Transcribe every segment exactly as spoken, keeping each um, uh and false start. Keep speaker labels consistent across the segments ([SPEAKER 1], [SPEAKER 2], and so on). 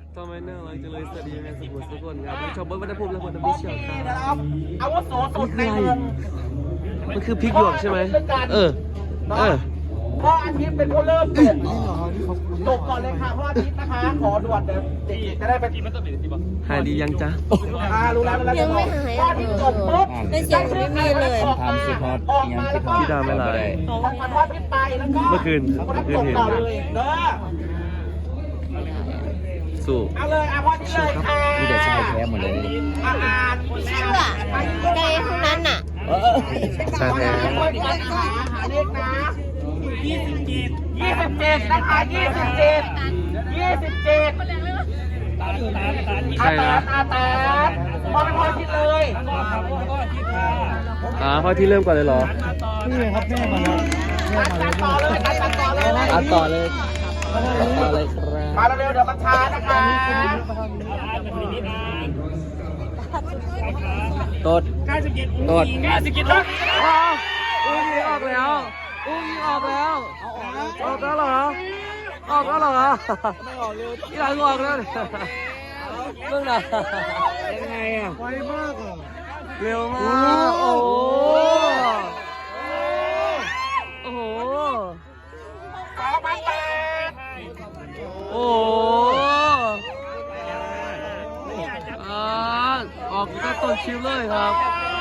[SPEAKER 1] ทำไมน่ารักจังเลยสวัสดียังไงสุขุมสุขคนครับชาวเบิร์ดวัฒนภูมิและคนทำพิเศษครับ
[SPEAKER 2] อาวุโสสุดในวง
[SPEAKER 1] มันคือพริกหยวกใช่ไหมเออเออ
[SPEAKER 2] พ่ออาทิตย์เป็นผู้เริ่มตกตกก่อนเลยค่ะพ่ออาทิตย์นะคะขอด่วนเดี๋ยวเด็กๆจะได้ไปทีมันต้องเป็นทีบ้าง
[SPEAKER 1] หายดียังจ๊ะ
[SPEAKER 2] อ่ารู้แล้วรู้แล้ว
[SPEAKER 3] ยังไม่หาย
[SPEAKER 2] พ่ออาทิตย์จบปุ๊บ
[SPEAKER 3] ในเสียงไม่มีเลย
[SPEAKER 2] ออกมาออกมาแล้วก็
[SPEAKER 1] พี่ดาวไม่ไลน์
[SPEAKER 2] ออกมาพ่ออาทิตย์ไปแล้วก็
[SPEAKER 1] เมื่อคืน
[SPEAKER 2] คนนั้น
[SPEAKER 1] เมื่อคืน
[SPEAKER 2] ตก
[SPEAKER 1] เห็น
[SPEAKER 2] ต่อเลยเด้อ
[SPEAKER 1] สู้
[SPEAKER 2] เอาเลยเอาพ่ออาทิตย์เลยค่ะ
[SPEAKER 4] มีแต่ชายแท้หมดเลย
[SPEAKER 2] อ่าอ่าน
[SPEAKER 3] เชื่อในห้องนั้นน่ะ
[SPEAKER 1] ชาแท้
[SPEAKER 2] หาเลขนะยี่สิบเจ็ดยี่สิบเจ็ดนะคะยี่สิบเจ็ดยี่สิบเจ็ด
[SPEAKER 1] ใช่นะ
[SPEAKER 2] อาตาพอเป็นพ่อคิดเลย
[SPEAKER 1] อ่าพ่อที่เริ่มก่อนเลยเหรอ
[SPEAKER 4] นี่ครับแม่มาแล้ว
[SPEAKER 2] ตัดต่อเลยตัดต่อเลย
[SPEAKER 1] อ่ะต่อเลยต่อเลยครับ
[SPEAKER 2] มาเร็วๆเดี๋ยวมันช้านะคะ
[SPEAKER 1] ตดตด
[SPEAKER 2] เก้าสิบเจ็ดลูก
[SPEAKER 1] ว้าวอุ้งยิงออกแล้วอุ้งยิงออกแล้วออกแล้วเหรอออกแล้วเหรอไม่ออกเร็วที่หลังออกแล้วเรื่องไหนยังไงอ่ะ
[SPEAKER 4] ไวมากอ่ะ
[SPEAKER 1] เร็วมากโอ้โหโอ้โห
[SPEAKER 2] สองพันแปด
[SPEAKER 1] โอ้โหอ่าออกก็ต้นชิวเลยครับ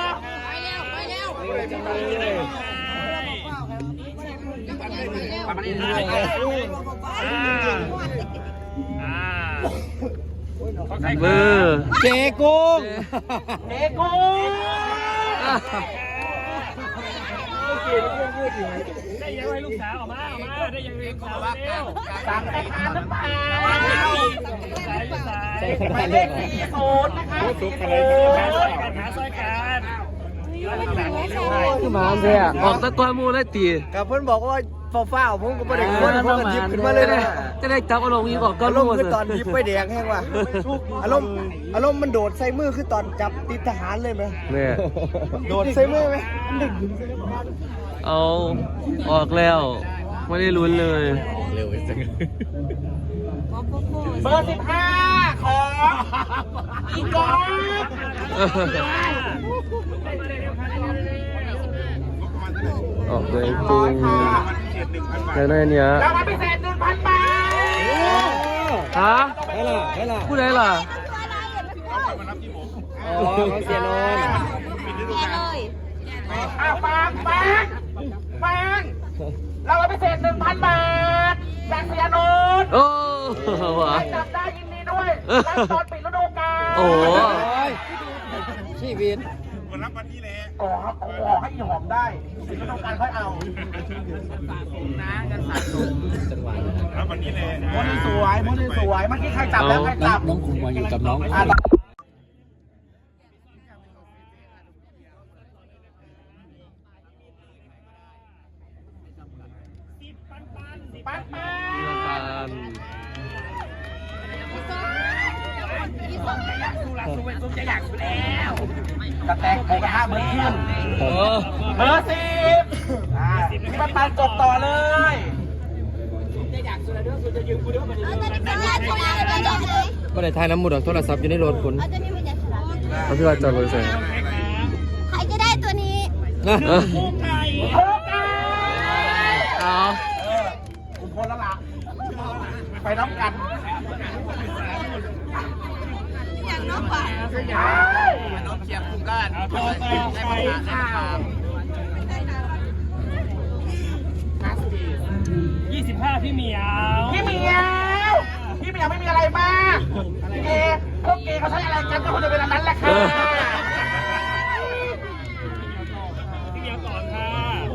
[SPEAKER 1] เบอร์
[SPEAKER 4] เจกุ้ง
[SPEAKER 2] เด็กกูได้ยังไงลูกสาวออกมาออกมาได้ยังไงขอว่ากันสามแต่ขาดหรือเปล่าหมายเลขสี่ศูนย์นะคะสี่ศูนย์หาซอยกัน
[SPEAKER 1] คือหมาเนี่ยออกตะกอนมูได้ตี
[SPEAKER 4] กับเพื่อนบอกว่าฟ้าๆผมก็ไม่ได้คนผมก็ยิบขึ้นมาเลยนะ
[SPEAKER 1] จะได้จับอารมณ์นี้บอกก็
[SPEAKER 4] อาร
[SPEAKER 1] รู้
[SPEAKER 4] มณ์คือตอนยิบไปแดงแห้งว่ะอารมณ์อารมณ์มันโดดใส่มือคือตอนจับติดทหารเลยไหม
[SPEAKER 1] เนี่ย
[SPEAKER 4] โดดใส่มือไหม
[SPEAKER 1] เอาออกแล้วไม่ได้ลุ้นเลย
[SPEAKER 4] เร็วจัง
[SPEAKER 2] เบอร์สิบห้าของอีกอน
[SPEAKER 1] ออกเลยจริงแล้วในเนี้ย
[SPEAKER 2] รางวัลพิเศษหนึ่งพันบาท
[SPEAKER 1] ฮะ
[SPEAKER 4] ได้ล่ะได้ล่ะ
[SPEAKER 1] ผู้ใดล่ะ
[SPEAKER 4] อ๋อของเสียนนท์
[SPEAKER 2] อ่ะฟังฟังฟังรางวัลพิเศษหนึ่งพันบาทจากเสียโนน
[SPEAKER 1] โอ้หวะ
[SPEAKER 2] ใครจับได้ยินดีด้วยรับตอนปิดฤดูกาล
[SPEAKER 1] โอ้โห
[SPEAKER 4] ชีวิต
[SPEAKER 2] ขอขอให้อีหอมได้ปิดฤดูกาลค่อยเอานะกันสะสม
[SPEAKER 4] จังหวะ
[SPEAKER 2] โมนี่สวยโมนี่สวยเมื่อกี้ใครจับแล้วใครจับ
[SPEAKER 4] น้องคุณมาอยู่กับน้อง
[SPEAKER 2] อ่ะปันปัน
[SPEAKER 1] ปาน
[SPEAKER 2] กระแตกโผกระทะเบอร์ขึ้น
[SPEAKER 1] เออ
[SPEAKER 2] เบอร์สิบอ่าพี่ปันปันจบต่อเลย
[SPEAKER 4] ก็ได้ทายน้ำมูดของโทรศัพท์อยู่ในรถคุณ
[SPEAKER 1] เขาพี่ว่าจอดรถเสร็จ
[SPEAKER 3] ใครจะได้ตัวนี้
[SPEAKER 1] เออ
[SPEAKER 2] โอ้ย
[SPEAKER 1] เอา
[SPEAKER 2] คุมพลแล้วล่ะไปน้ำกัน
[SPEAKER 3] อย่างน้องกว่า
[SPEAKER 2] น้องเชียร์คุมกันได้มาค่ะยี่สิบห้าพี่เหมียวพี่เหมียวพี่เหมียวไม่มีอะไรมากพี่เกพวกเกเขาใช้อะไรกันก็คงจะเป็นอันนั้นแหละค่ะพี่เหมียวก่อนค่ะ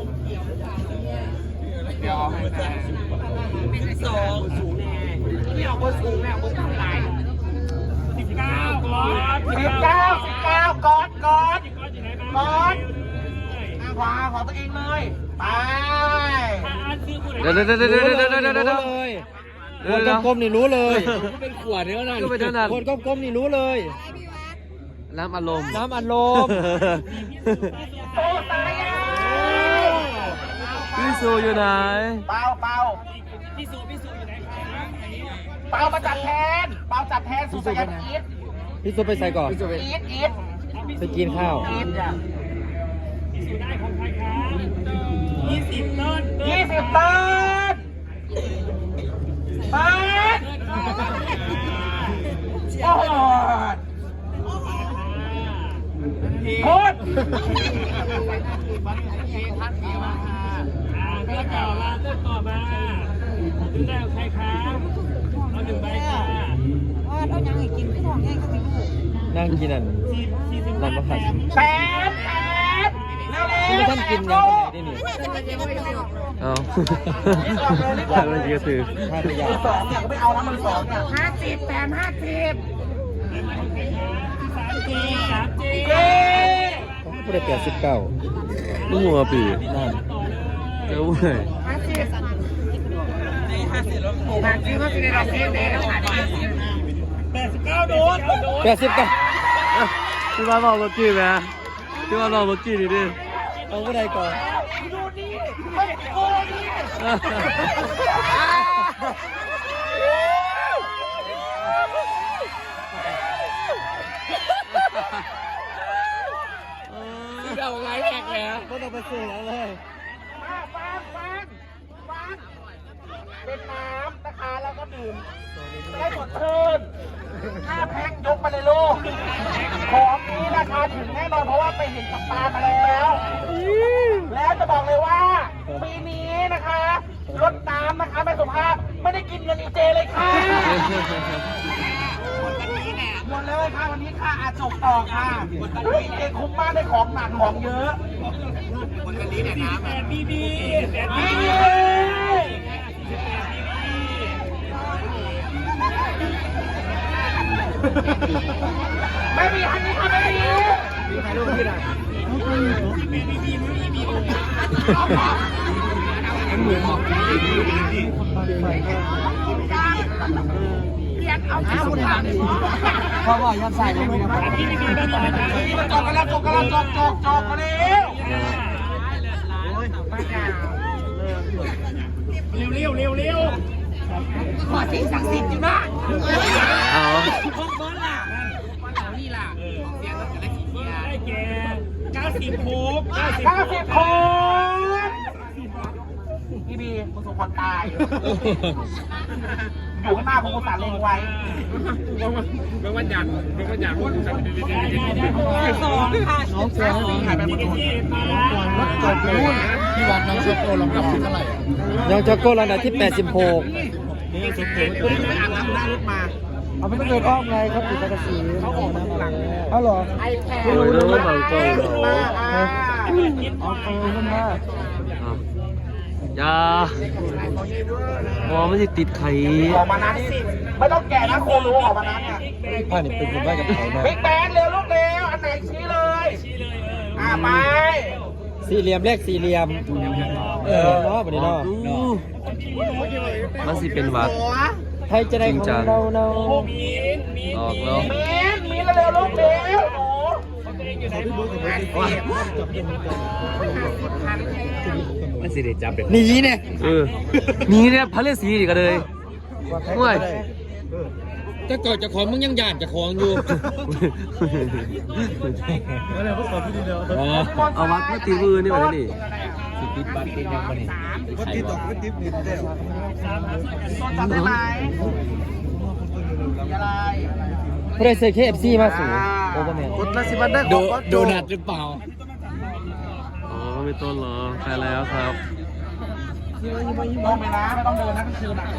[SPEAKER 2] เดี๋ยวเป็นสองสูงแน่พี่เอาบนสูงแน่บนทำลายสิบเก้าก่อนสิบเก้าสิบเก้าก่อนก่อนก่อนขวาของตัวเองเลยไป
[SPEAKER 1] เดี๋ยวเดี๋ยวเดี๋ยวเดี๋ยวเดี๋ยวเดี๋ยวเดี๋ยวเดี๋ยว
[SPEAKER 4] เลย
[SPEAKER 1] เดี๋ยว
[SPEAKER 4] คน
[SPEAKER 1] เดี๋ยว
[SPEAKER 4] ก้มๆนี่รู้เลยเป็นขวดเนื้อนั่น
[SPEAKER 1] ก็เป็นเท่านั้น
[SPEAKER 4] คนก้มๆนี่รู้เลย
[SPEAKER 1] น้ำอารมณ์
[SPEAKER 4] น้ำอัดลม
[SPEAKER 2] โอ้ตายอ่ะ
[SPEAKER 1] พี่ซูอยู่ไหน
[SPEAKER 2] เปล่าเปล่าเปามาจัดแทนเปาจัดแทนสุสานอีท
[SPEAKER 1] พี่ซุปไปใส่ก่อน
[SPEAKER 2] อีทอีท
[SPEAKER 1] ไปกินข้าว
[SPEAKER 2] อีทจ้ะ
[SPEAKER 5] ได้ของใครครับยี่สิบต้น
[SPEAKER 2] ยี่สิบต้นเปิดโอ้โหโคตร
[SPEAKER 5] อ่าเลือกต่อมาเลือกต่อมาดูได้ของใครครับเอาหนึ่งใบค่ะ
[SPEAKER 1] นั่งกินอัน
[SPEAKER 5] สี่สี่สิบ
[SPEAKER 1] นั่นมาผัด
[SPEAKER 2] แปดแปดเร็วๆ
[SPEAKER 1] นี่ไม่ท่านกินยังไงนี่นี่เอาถ่ายมาเยอะถือถ่ายไปยาว
[SPEAKER 2] สองเนี่ยก็ไม่เอาแล้วมันสองเนี่ยห้าสิบแถมห้าสิบ
[SPEAKER 5] สามจีสามจี
[SPEAKER 2] เย้
[SPEAKER 1] ผู้ได้แปดสิบเก้าลูกหัวปีนั่นเจ้าเว้ย
[SPEAKER 2] ห้าสิบห้าสิบแล้วห้าสิบก็จะได้รับเงินเดือนแล้วค่ะ
[SPEAKER 5] แปดสิบเก้าโดนโดน
[SPEAKER 1] แปดสิบเก้าพี่มาบอกเมื่อกี้ไหมพี่มาบอกเมื่อกี้ดิดิเอาผู้ใดก่อน
[SPEAKER 2] ดูนี่ไม่โอ้นี่
[SPEAKER 1] เอาไงแอกแล้วก็ต้องไปซื้อแล้วเลย
[SPEAKER 2] ฟังฟังฟังเป็นน้ำนะคะแล้วก็ดื่มได้สดชื่นห้าแพ็คยกมาเลยลูกของนี้ราคาถึงแน่นอนเพราะว่าไปเห็นกับตามาแล้ว แล้วจะบอกเลยว่าปีนี้นะคะลดน้ำนะคะไม่สุภาพไม่ได้กินเงินอีเจเลยค่ะหมดเลยค่ะวันนี้ค่ะอาจบต่อค่ะอีเจคุ้มมากได้ของหนักของเยอะวันนี้เนี่ยน้ำ
[SPEAKER 5] แปดบีบีแปดบี
[SPEAKER 2] นี่
[SPEAKER 5] บี
[SPEAKER 2] ไม่มีอันนี้ค่ะไม่มีถ่ายรูปที่ไหนเพราะว่ายัดใส่ลงไปนะครับนี่มันจบกันแล้วจบกันแล้วจบจบจบกันแล้ว
[SPEAKER 5] เร็วเร็วเร็วเร็ว
[SPEAKER 2] ขอสิ่งศักดิ์สิทธิ์อยู่นะ
[SPEAKER 1] เอา
[SPEAKER 2] พวกเบิร์ดล่ะเอานี่ล่ะเสียงรถกันแล้วขี่เกียร์
[SPEAKER 5] ได้แก่เก้าสิบโคบ
[SPEAKER 2] เก้าสิบคนพี่บีมึงสมควรตาย อยู่ข้างหน้าผมอุตส่าห์เล็งไว้เมื่อวันอยากเมื่อวันอยากพูดกันสองค่ะน้องเสือถ่ายไปหมด
[SPEAKER 5] ที่มา
[SPEAKER 4] จบเลยที่วัดน้องช็อกโกลำดับที่เท่าไหร่
[SPEAKER 1] ยังจะโก้ระดับที่แปดสิบหก
[SPEAKER 4] นี่ช็อกโกไปอาบน้ำหน้ารถมาเอาไม่ต้องเดินอ้อมไงครับติดกระสีเขาออกมาหลังเอาหรอ
[SPEAKER 2] ไอแพด
[SPEAKER 1] โอ้ยแล้วมันก็
[SPEAKER 2] มาอ่า
[SPEAKER 4] เอาเออขึ้นมา
[SPEAKER 1] อย่าพอไม่ได้ติดไข่
[SPEAKER 2] ออกมานั้นสิไม่ต้องแกะนะโครู้ออกมานั้นเนี่ย
[SPEAKER 1] ผ้านี่เป็นคนบ้ากับเขาเนาะ
[SPEAKER 2] บิ๊กแบนเร็วลูกเร็วอันไหนชี้เลยอ่าไป
[SPEAKER 1] สี่เหลี่ยมเลขสี่เหลี่ยมเออเนาะวันนี้เนาะมันสิเป็นวัด ใครจะได้ของเราเนาะออกแล้ว
[SPEAKER 2] มีนมีนเร็วลูกเร็วหนู
[SPEAKER 1] มันสิได้จับเด็กหนีเนี่ยเออหนีเนี่ยพระฤาษีอีกเลยห่วยถ้าเกิดจะของมึงยังหยาดจะของอยู่เอาวัดมาตีมือนี่มาดิสิติดบัตรติดยังมาดิวัดติดต่อวัดติดนิดเดียว
[SPEAKER 2] จำได้ไหมอะไร
[SPEAKER 1] เพื่อใส่เคเอฟซีมาสูโอ้ก็แม่
[SPEAKER 4] กดละสิบวันได้ข
[SPEAKER 1] โด
[SPEAKER 4] องวั
[SPEAKER 1] โดนัทหรือเปล่า
[SPEAKER 6] อ๋อไม่ต้นเหรอไปแล้วครับ
[SPEAKER 2] ต้องไปนะไม่ต้องเดินนะกลางคืนอ่ะ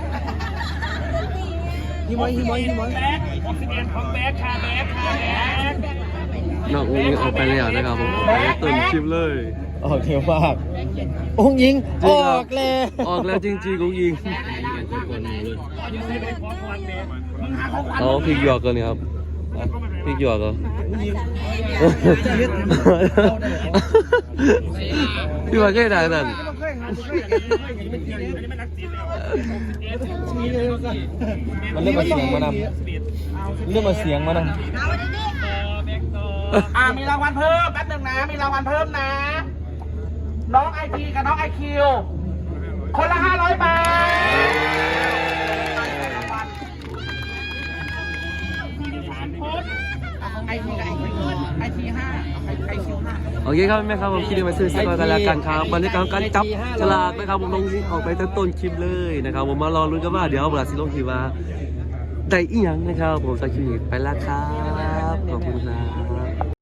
[SPEAKER 4] ฮิมอยฮิมอยฮิมอย
[SPEAKER 5] แบ็คออกซิเจนของแบ็คค่ะแบ็คค่ะแบ็ค
[SPEAKER 6] น้องอุ้งออกไปแล้วนะครับผมต้นคลิปเลย
[SPEAKER 1] ออกเร็วมากองยิงออกเลย
[SPEAKER 6] ออกแล้วจริงๆอุ้งยิง
[SPEAKER 5] ขอพรแบ็ค
[SPEAKER 6] เขาพริกหยวกกันนี่ครับพริกหยวกเหรอพี่ว่าแค่ไหนนั่น
[SPEAKER 1] มันเรื่องมาเสียงมานำเรื่องมาเสียงมานำ
[SPEAKER 2] อ่ามีรางวัลเพิ่มแป๊บหนึงนะมีรางวัลเพิ่มนะ น้องไอพีกับน้องไอคิวคนละห้าร้อยบาท
[SPEAKER 6] โ
[SPEAKER 1] โอเคครับแม่ครับผมคิดมาซื้อสักกันแล้วกันครับบรรยากาศการจับฉลากนะครับผมลงออกไปตั้งต้นคลิปเลยนะครับผมมารอลุ้นกันว่าเดี๋ยวบราซิลลงคลิปว่าได้อีหยังนะครับผมสักคลิปไปแล้วครับขอบคุณครับ